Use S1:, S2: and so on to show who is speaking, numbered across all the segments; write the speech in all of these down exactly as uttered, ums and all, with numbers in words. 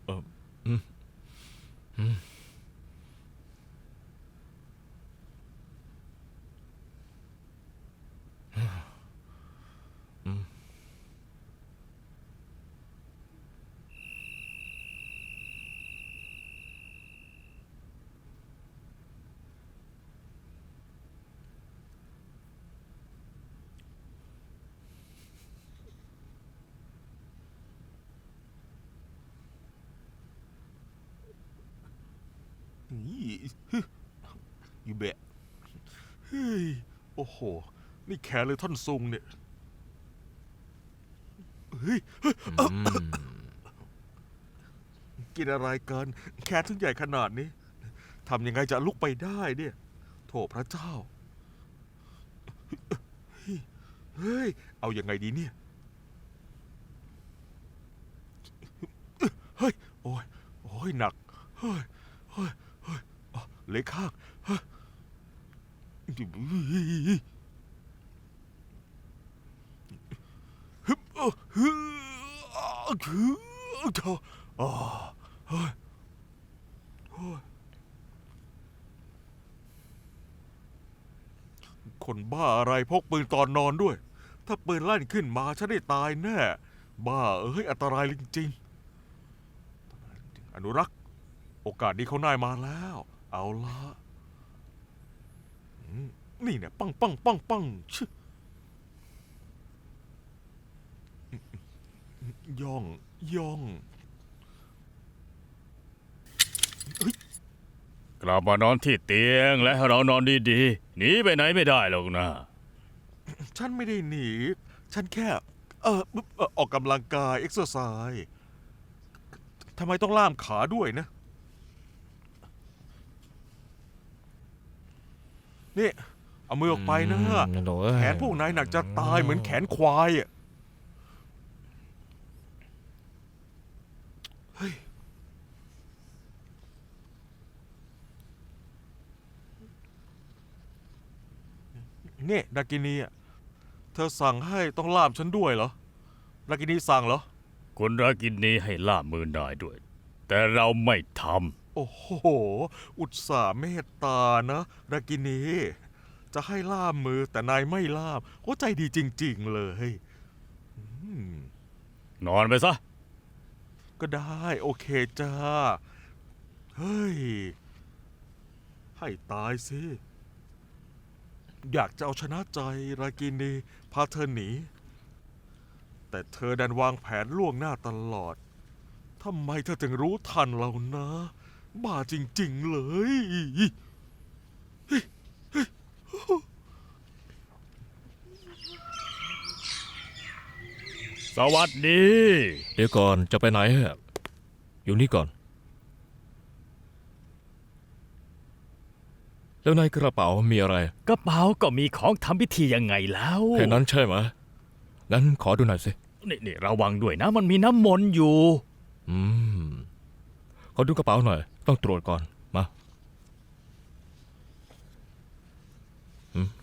S1: เอออืมอืมอืม
S2: นี่อยู่แบะเฮ้ยโอ้โหนี่แขนเลยท่อนซุงเนี่ยเฮ้ย
S1: อืม
S2: กินอะไรกันแขนถึงใหญ่ขนาดนี้ทำยังไงจะลุกไปได้เนี่ยโถพระเจ้าเฮ้ยเอายังไงดีเนี่ยเฮ้ยโอ้ยโอ้ยหนักเฮ้ยเฮ้ยเฮ้ยอ๋อเล็กข้างเฮ้ยฮึบเออฮึคือเธออ๋อเฮ้ยเฮ้ยคนบ้าอะไรพกปืนตอนนอนด้วยถ้าปืนลั่นขึ้นมาฉันได้ตายแน่บ้าเอ้ยอันตรายจริงๆอนุรักษ์โอกาสดีเขานายมาแล้วเอาละอืมนี่เนี่ยปังปังปังปังชึย่องย่องเฮ้ย
S3: กลับมานอนที่เตียงและให้เรานอนดีๆหนีไปไหนไม่ได้หรอกนะ
S2: ฉันไม่ได้หนี ฉันแค่เออเอ่อออกกำลังกายเอ็กซ์ไซส์ทำไมต้องล่ามขาด้วยนะ นี่ เอามือออกไปนะ
S1: อืมโถ่เอ้ย
S2: แขนพวกนายหนักจะตายเหมือนแขนควายอ่ะเฮ้ยนี่ดากินีอ่ะเธอสั่งให้ต้องล่ามฉันด้วยเหรอดากินีสั่งเหรอ
S3: คุณรากินนี้ให้ล่ามือนายด้วย แต่เราไม่ท
S2: โอ้โห อุตส่าห์เมตตานะดากินี จะให้ล่ามมือแต่นายไม่ล่ามโอ้ใจดีจริง ๆ เลยอืม
S3: ำนอนไปซะ
S2: ก็ได้โอเคจ้า เฮ้ย ให้ตายสิ อยากจะเอาชนะใจรากินีพาเธอหนี แต่เธอดันวางแผนล่วงหน้าตลอด ทำไมเธอถึงรู้ทันเรานะ บ้าจริง ๆ เลย
S3: สวัสดี
S1: เดี๋ยวก่อนจะไปไหนอะอยู่นี่ก่อน แล้วในกระเป๋ามีอะไร
S3: กระเป๋าก็มีของทำพิธียังไงแล้ว
S1: แค่นั้นใช่ไหมงั้นขอดูหน่อยสิ
S3: นี่นี่ระวังด้วยนะมันมีน้ำมนต์อยู่
S1: อืม ขอดูกระเป๋าหน่อย ต้องตรวจก่อน มาอืม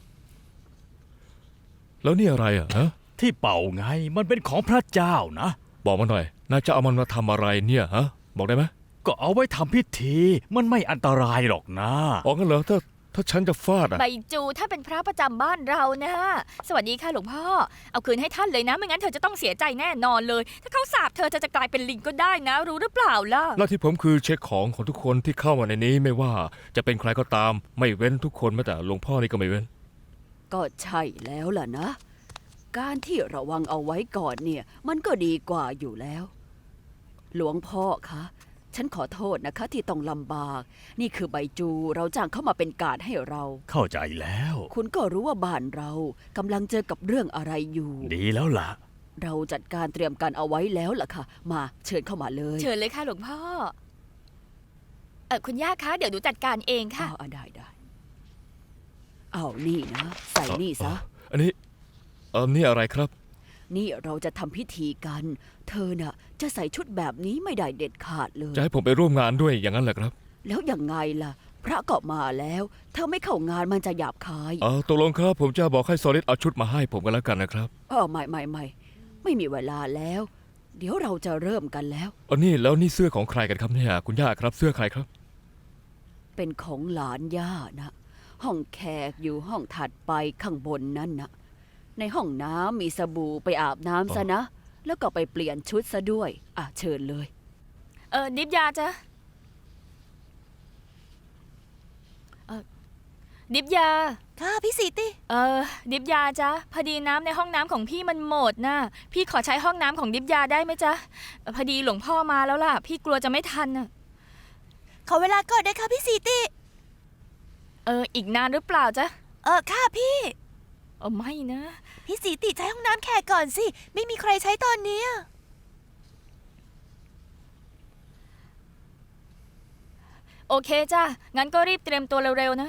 S1: แล้วนี่อะไรอ่ะฮะ
S3: ที่เป่าไงมันเป็นของพระเจ้านะ
S1: บอกมาหน่อย นายจะเอามันมาทำอะไรเนี่ยฮะ บอกได้ไหม
S3: ก็เอาไว้ทำพิธี มันไม่อันตรายหรอกนะ
S1: ออกกันเหรอถ้าถ้าฉันจะฟาดอ่ะ
S4: ใบจูท่านเป็นพระประจำบ้านเรานะสวัสดีค่ะหลวงพ่อ เอาคืนให้ท่านเลยนะ ไม่งั้นเธอจะต้องเสียใจแน่นอนเลย ถ้าเขาสาบเธอเธอจะกลายเป็นลิงก็ได้นะ รู้หรือเปล่าล่ะ
S1: หน้าที่ผมคือเช็คของของทุกคนที่เข้ามาในนี้ไม่ว่าจะเป็นใครก็ตาม ไม่เว้นทุกคนแม้แต่หลวงพ่อนี่ก็ไม่เว้น
S5: ก็ใช่แล้วล่ะนะ การที่ระวังเอาไว้ก่อนเนี่ย มันก็ดีกว่าอยู่แล้ว หลวงพ่อคะฉันขอโทษนะคะที่ต้องลำบาก นี่คือใบจูเราจ้างเข้ามาเป็นการดให้เรา
S3: เข้าใจแล้ว
S5: คุณก็รู้ว่าบ้านเรากำลังเจอกับเรื่องอะไรอยู่
S3: ดีแล้วล่ะ
S5: เราจัดการเตรียมการเอาไว้แล้วล่ะค่ะ มาเชิญเข้ามาเลย
S4: เชิญเลยค่ะหลวงพ่อ เออคุณย่าคะ เดี๋ยวหนูจัดการเองค่ะ
S5: อ้าวอ่ะได้ได้เอานี่นะ ใส่นี่ซะ
S1: อันนี้เออนี่อะไรครับ
S5: นี่เราจะทำพิธีกัน เธอน่ะ จะใส่ชุดแบบนี้ไม่ได้เด็ดขาดเลย
S1: จะให้ผมไปร่วมงานด้วยอย่างนั้นเหรอครับ
S5: แล้วยังไงล่ะ พระก็มาแล้ว เธอไม่เข้างานมันจะหยาบคาย
S1: เออตกลงครับ ผมจะบอกให้ซอลิดเอาชุดมาให้ผมกันแล้วกันนะครับ
S5: เออไม่ไม่ไม่ไม่มีเวลาแล้วเดี๋ยวเราจะเริ่มกันแล้ว
S1: อันนี้แล้วนี่เสื้อของใครกันครับเนี่ยคุณย่าครับเสื้อใครครับ
S5: เป็นของหลานย่านะ ห้องแขกอยู่ห้องถัดไปข้างบนนั่นนะในห้องน้ำมีสบู่ไปอาบน้ำซะนะ แล้วก็ไปเปลี่ยนชุดซะด้วย อ่ะเชิญเลย
S4: เออดิบยาจ้ะเออดิบยา
S6: ค่ะพี่สีติ
S4: เออดิบยาจ้ะพอดีน้ำในห้องน้ำของพี่มันหมดนะพี่ขอใช้ห้องน้ำของดิบยาได้ไหมจ๊ะเอ่อพอดีหลวงพ่อมาแล้วล่ะ พี่กลัวจะไม่ทันน่ะ
S6: ขอเวลาก่อนนะคะพี่สีติ
S4: เอออีกนานหรือเปล่าจ๊ะ
S6: เออค่ะพี่
S4: เออไม่นะ
S6: พี่สีติใช้ห้องน้ำแขกก่อนสิ ไม่มีใครใช้ตอนเนี้ย
S4: โอเคจ้ะงั้นก็รีบเตรียมตัวเร็วๆนะ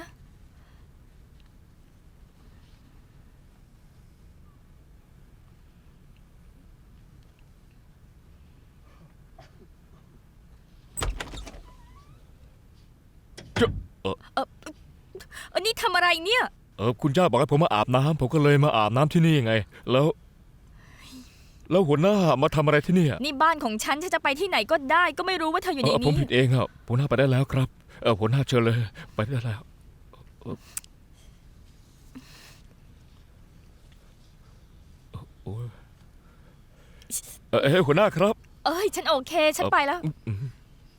S1: เออ
S4: เออเออนี่ทำอะไรเนี่ย
S1: เออคุณย่าบอกให้ผมมาอาบน้ำผมก็เลยมาอาบน้ำที่นี่ไง แล้ว แล้วหัวหน้ามาทำอะไรที่นี่อะ
S4: นี่บ้านของฉันฉันจะไปที่ไหนก็ได้ ก็ไม่รู้ว่าเธออยู่
S1: เอ
S4: ใน
S1: อผม
S4: นี้
S1: ผิดเองครับหัวหน้าไปได้แล้วครับเออหัวหน้าเชิญเลยไปได้แล้วเออโอ้ยเออเอ้ยหัวหน้าครับ
S4: เอ้ยฉันโอเค ฉันไปแล้ว
S1: อืม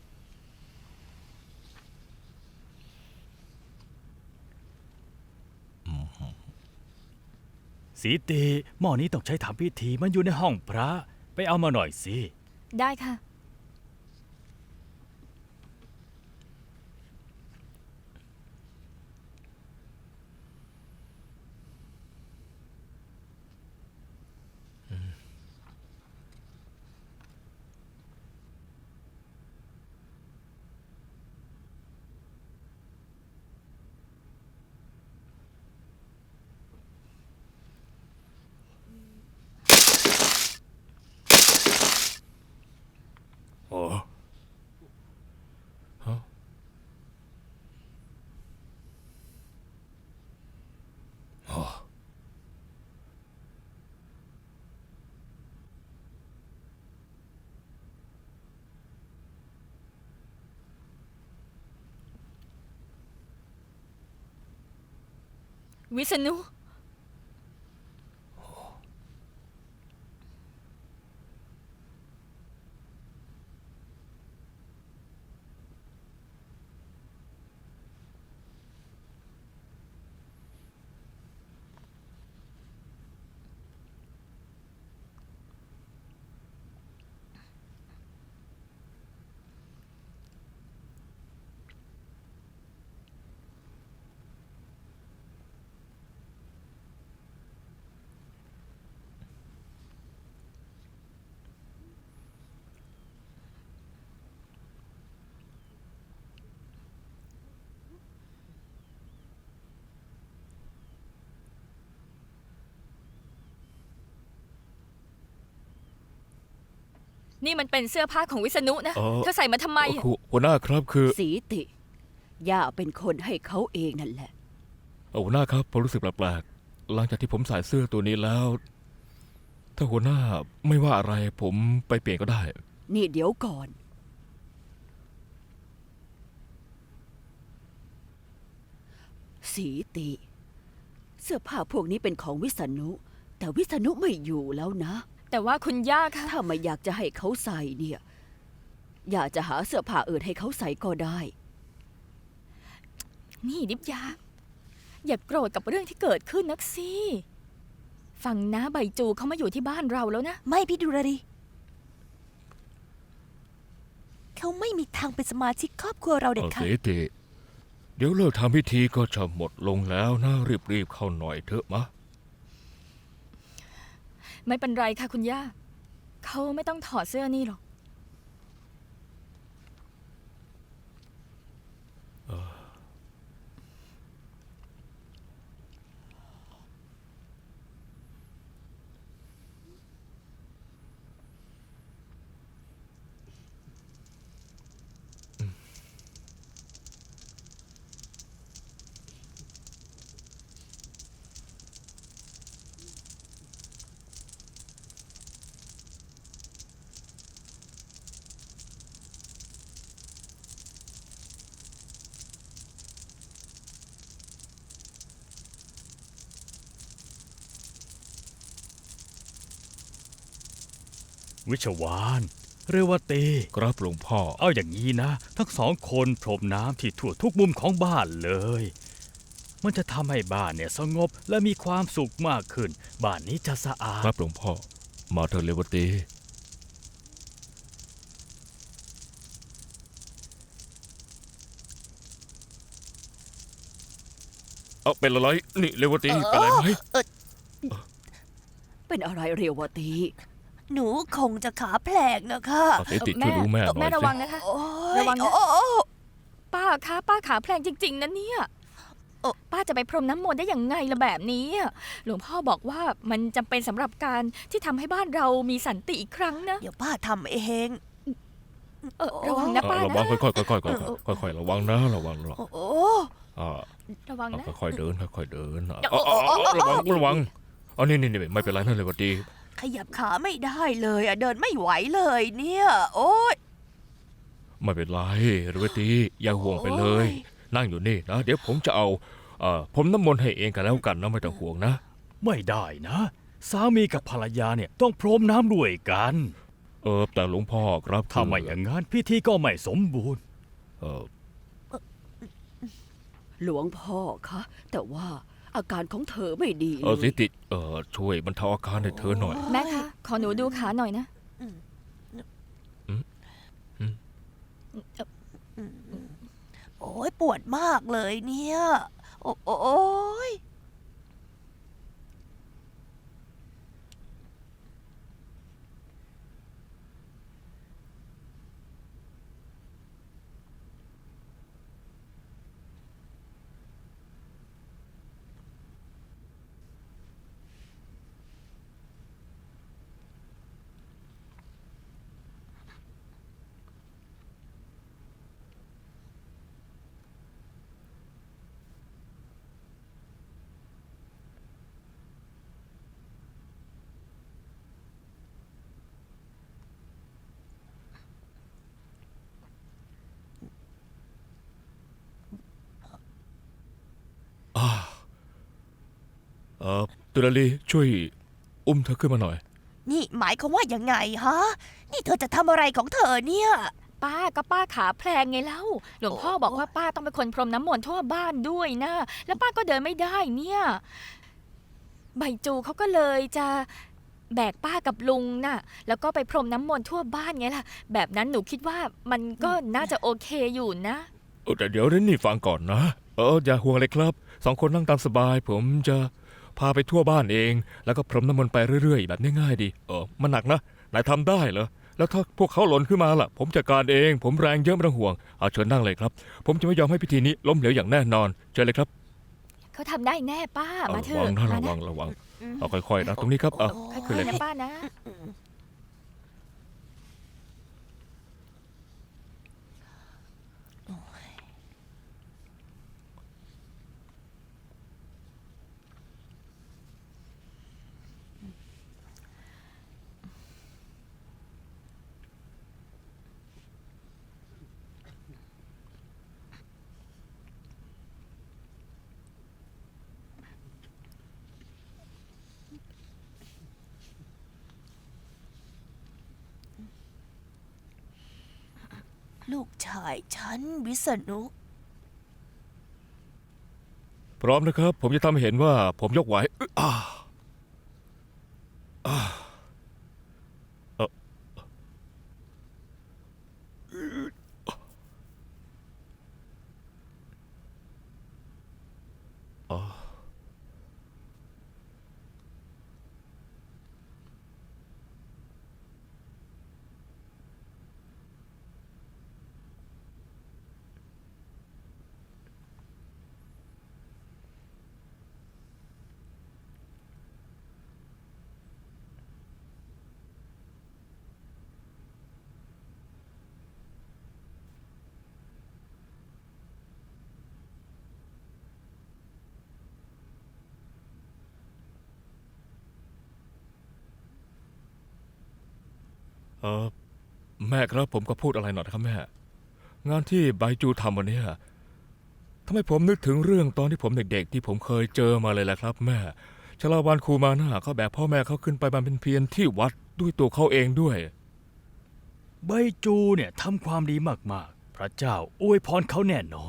S3: สีตีหม้อนี้ต้องใช้ทำพิธีมันอยู่ในห้องพระ ไปเอามาหน่อยสิ
S4: ได้ค่ะ
S1: โอ้ฮะอ๋อ
S4: วิษณุ นี่มันเป็นเสื้อผ้าของวิษณุนะ
S1: เออ
S4: เธอใส่มาทำไม
S1: เออหัวหน้าครับคือ
S5: สีติ ย่าเป็นคนให้เขาเองนั่นแหละ
S1: เออหัวหน้าครับผมรู้สึกแปลกๆหลังจากที่ผมใส่เสื้อตัวนี้แล้ว ถ้าหัวหน้าไม่ว่าอะไรผมไปเปลี่ยนก็ได้
S5: นี่เดี๋ยวก่อน สีติ เสื้อผ้าพวกนี้เป็นของวิษณุ แต่วิษณุไม่อยู่แล้วนะ
S4: แต่ว่าคุณย่าค่ะ
S5: ถ้าไม่อยากจะให้เขาใส่เนี่ย อยากจะหาเสื้อผ้าอื่นให้เขาใส่ก็ได้
S4: นี่ดิบยา อย่าโกรธกับเรื่องที่เกิดขึ้นนักสิฟังนะใบจูเขามาอยู่ที่บ้านเราแล้วนะ
S6: ไม่พี่ดูราดีเขาไม่มีทางเป็นสมาชิกครอบครัวเราเด็ด
S1: เออ
S6: ขา
S1: เส
S6: ด
S1: ติเดี๋ยวเลิกทำพิธีก็จะหมดลงแล้วนะรีบๆเข้าหน่อยเถอะมะ
S4: ไม่เป็นไรค่ะคุณย่า เขาไม่ต้องถอดเสื้อนี่หรอก
S3: วิชวานเรวตี
S1: ครับหลวงพ่อ
S3: เอาอย่างนี้นะ ทั้งสองคนพรมน้ำที่ทั่วทุกมุมของบ้านเลย มันจะทำให้บ้านเนี่ยสงบและมีความสุขมากขึ้น บ้านนี้จะสะอาด
S1: ครับหลวงพ่อ มาเถอะเรวตีเอาเป็นอะไรนี่เรวตีเป็นอะไรไหม
S5: เป็นอะไรเรวตี
S6: หนูคงจะขาแผลกนะคะ
S1: เอาสิติช่วยดูแม่หน่อย
S4: แม่ระวัง
S1: สิ
S4: นะคะ
S6: โอ้ย
S4: ระวังนะ
S6: โอ้โอ้
S4: ป้าคะป้าขาแพลงจริง ๆนะเนี่ยเอ่อป้าจะไปพรมน้ำมนต์ได้อย่างไงล่ะแบบนี้อะหลวงพ่อบอกว่ามันจำเป็นสำหรับการที่ทำให้บ้านเรามีสันติอีกครั้งนะ
S6: เดี๋ยวป้าทำเอง
S4: เออระวังนะ
S1: เออ
S4: ป้า
S1: ระวัง
S4: นะ
S1: ค่อยๆค่อยๆค่อยๆค่อยๆระวังนะระวังระวัง
S6: โอ้โห
S1: อ่า
S4: ระวัง
S1: เอา
S4: นะ
S1: ค่อยๆเดินค่อยๆเดินอ่ะเอาเอาเอาเอาระวังระวังเอานี่นี่นี่ไม่เป็นไรนะเรวตี
S6: ขยับขาไม่ได้เลยอะเดินไม่ไหวเลยเนี่ย โอ้ย
S1: ไม่เป็นไรเรวตีอย่าห่วงไปเลย
S6: โอ้ย
S1: นั่งอยู่นี่นะเดี๋ยวผมจะเอาเอ่อผมน้ำมนต์ให้เองกันแล้วกันนะไม่ต้องห่วงนะ
S3: ไม่ได้นะ สามีกับภรรยาเนี่ยต้องพรมน้ำด้วยกัน
S1: เออแต่หลวงพ่อครับ
S3: ถ้าไม่อย่างนั้นพิธีก็ไม่สมบูรณ์
S1: เออ
S5: หลวงพ่อคะแต่ว่าอาการของเธอไม่ดี
S1: เออ
S5: เล
S1: สิ
S5: ย
S1: ติเออช่วยบรรเทาอาการให้เธอหน่อย
S4: แม่คะขอหนูดูขาหน่อยนะ
S6: โอ้ยปวดมากเลยเนี่ย โอ้โอ้โอ้ย
S1: อ่าเออตุลาลีช่วยอุ้มเธอขึ้นมาหน่อย
S6: นี่หมายความว่ายังไงฮะ นี่เธอจะทำอะไรของเธอเนี่ย
S4: ป้าก็ป้าขาแพลงไงเล่าหลวงพ่อบอกว่าป้าต้องเป็นคนพรมน้ำมนต์ทั่วบ้านด้วยนะ แล้วป้าก็เดินไม่ได้เนี่ย ใบจูเขาก็เลยจะแบกป้ากับลุงน่ะ แล้วก็ไปพรมน้ำมนต์ทั่วบ้านไงล่ะ แบบนั้นหนูคิดว่ามันก็น่าจะโอเคอยู่นะ
S1: เออแต่เดี๋ยวเรนนี่ฟังก่อนนะ เอออย่าห่วงเลยครับสองคนนั่งตามสบาย ผมจะพาไปทั่วบ้านเอง แล้วก็พรมน้ำมนต์ไปเรื่อยๆ แบบง่ายๆดีเออมันหนักนะนายทำได้เหรอแล้วถ้าพวกเขาหล่นขึ้นมาล่ะ ผมจัดการเอง ผมแรงเยอะไม่ต้องห่วงเอาเชิญนั่งเลยครับ ผมจะไม่ยอมให้พิธีนี้ล้มเหลวอย่างแน่นอนเชิญเลยครับ
S4: เขาทำได้แน่ป้า
S1: เอา
S4: มาเถ
S1: ระวั
S4: อะ
S1: งนะ
S4: มา
S1: ระวั
S4: นะ
S1: งระวังเอาค่อยๆนะตรงนี้ครับเอา
S4: ค่
S1: ขึ้น
S4: อ
S1: เลย ย
S4: ๆนะป้านะ
S6: ลูกชายฉันวิษณุ
S1: พร้อมนะครับ ผมจะทำให้เห็นว่าผมยกไหวอึ๊ะอ่าอ่าเอ่ออ๋อเออแม่ครับผมก็พูดอะไรหน่อยนะครับแม่ งานที่ไบจูทำวันเนี้ยทำให้ผมนึกถึงเรื่องตอนที่ผมเด็กๆ ที่ผมเคยเจอมาเลยแหละครับแม่ชลาวันครูมาหน้าเขาแบกพ่อแม่เขาขึ้นไปบำเพ็ญเพียรที่วัดด้วยตัวเขาเองด้วย
S3: ใบจูเนี่ยทำความดีมากๆ พระเจ้าอวยพรเขาแน่นอน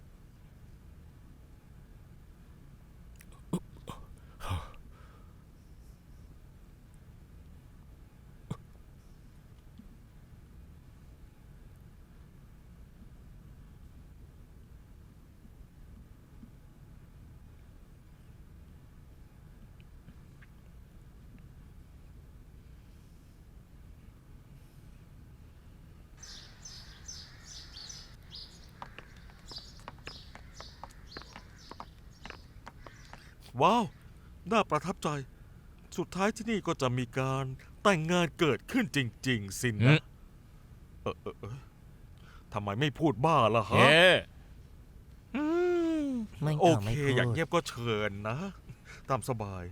S2: ว้าว น่าประทับใจ สุดท้ายที่นี่ก็จะมีการแต่งงานเกิดขึ้นจริง ๆ สิน
S1: อื
S2: นะ
S1: ม
S2: เออเออเออทำไมไม่พูดบ้าล่ะ
S1: เฮ้
S2: ฮะ
S6: อืมไม่
S2: โอ
S6: ต้อง
S2: เค
S6: ไม่พูด
S2: อย่างเงียบก็เชิญนะ ตามสบาย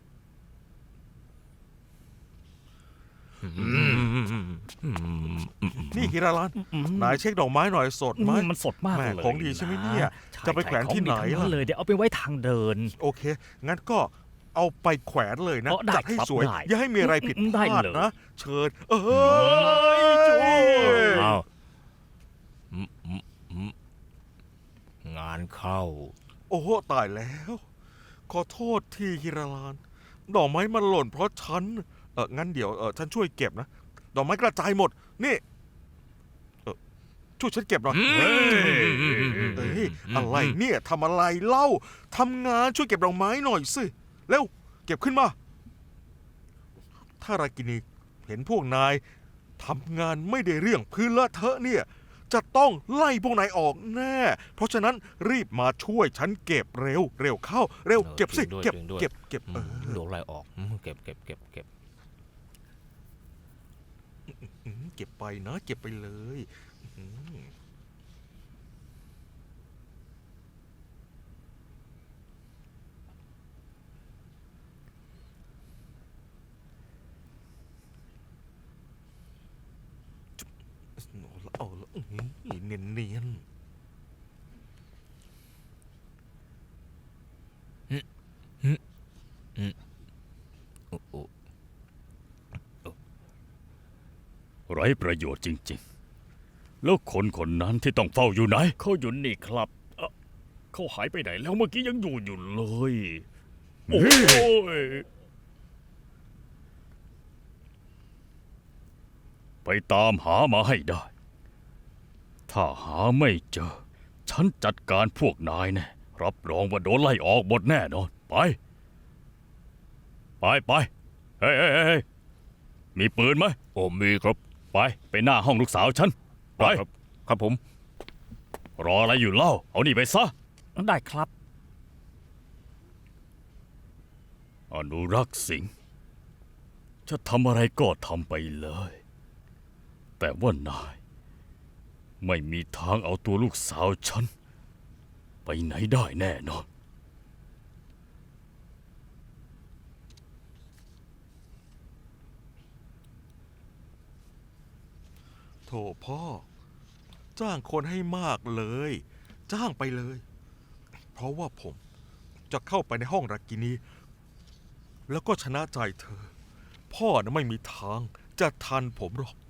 S2: นี่ฮิราลัน นายเช็คดอกไม้หน่อยสดไหม
S3: มันสดมาก
S2: แม่
S3: เลย
S2: ของดีใช่ไหมเนี่ย
S3: ใช่
S2: จะไปแขวนที่ไหน
S3: ของดีทั้ง
S2: ล่ะ
S3: เลยเดี๋ยวเอาไปไว้ทางเดิน
S2: โอเค งั้นก็เอาไปแขวนเลยนะ
S3: อ๋อได้
S2: จัดให้
S3: ครับ
S2: สวย
S3: ได้
S2: อย่าให้มีอะไรผิด
S3: อืม
S2: พ
S3: ได้
S2: ลาด
S3: เลย
S2: นะ เชิญ เอ้ยจุ๊ย
S1: อ้าวอืมอืมอืมงานเข้า
S2: โอ้โหตายแล้ว ขอโทษที่ฮิราลาน ดอกไม้มันหล่นเพราะฉัน เอองั้นเดี๋ยวเออฉันช่วยเก็บนะ ดอกไม้กระจายหมด นี่เออช่วยฉันเก็บหน่อย
S1: อืม
S2: เฮ้ยเอ้ยอะไรเนี่ยทำอะไรเล่าทำงานช่วยเก็บดอกไม้หน่อยสิ เร็ว เก็บขึ้นมา ถ้ารากินีเห็นพวกนายทำงานไม่ได้เรื่องพื้นเลอะเทอะเนี่ย จะต้องไล่พวกนายออกแน่ เพราะฉะนั้นรีบมาช่วยฉันเก็บเร็ว เร็วเข้า เร็ว
S1: เออ
S2: เก็บสิ
S1: จริงด้วย
S2: เก็บ
S1: จริงด้วย
S2: เก็บเก็บ
S1: อื
S2: เอ
S1: ม
S2: อ
S1: โดนไล่ออกอืมเก็บเก็บเก็บเก็บ
S2: อืมเก็บไปนะ เก็บไปเลยอืมเอาละเอาละอื้อหือเนียนเนียน
S1: โอ้โห
S3: ไร้ประโยชน์จริงๆ แล้วคนคนนั้นที่ต้องเฝ้าอยู่ไหน เขาอยู่นี่ครับเอ่อเขาหายไปไหนแล้วเมื่อกี้ยังอยู่อยู่เลย โอ้ยไปตามหามาให้ได้ ถ้าหาไม่เจอ ฉันจัดการพวกนายแน่ รับรองว่าโดนไล่ออกหมดแน่นอน ไป ไปไปเฮ้ยเฮ้ยเฮ้ยมีปืนไหม
S1: โอ้มีครับ
S3: ไป ไปหน้าห้องลูกสาวฉัน ไป
S1: ครับ ครับผม
S3: รออะไรอยู่เล่า เอานี่ไปซะ ได้ครับ อนุรักษ์สิงห์จะทำอะไรก็ทำไปเลย แต่ว่านาย ไม่มีทางเอาตัวลูกสาวฉัน ไปไหนได้แน่นอน
S2: โถพ่อ จ้างคนให้มากเลย จ้างไปเลย เพราะว่าผมจะเข้าไปในห้องรากินี แล้วก็ชนะใจเธอ พ่อนะไม่มีทางจะทันผมหรอก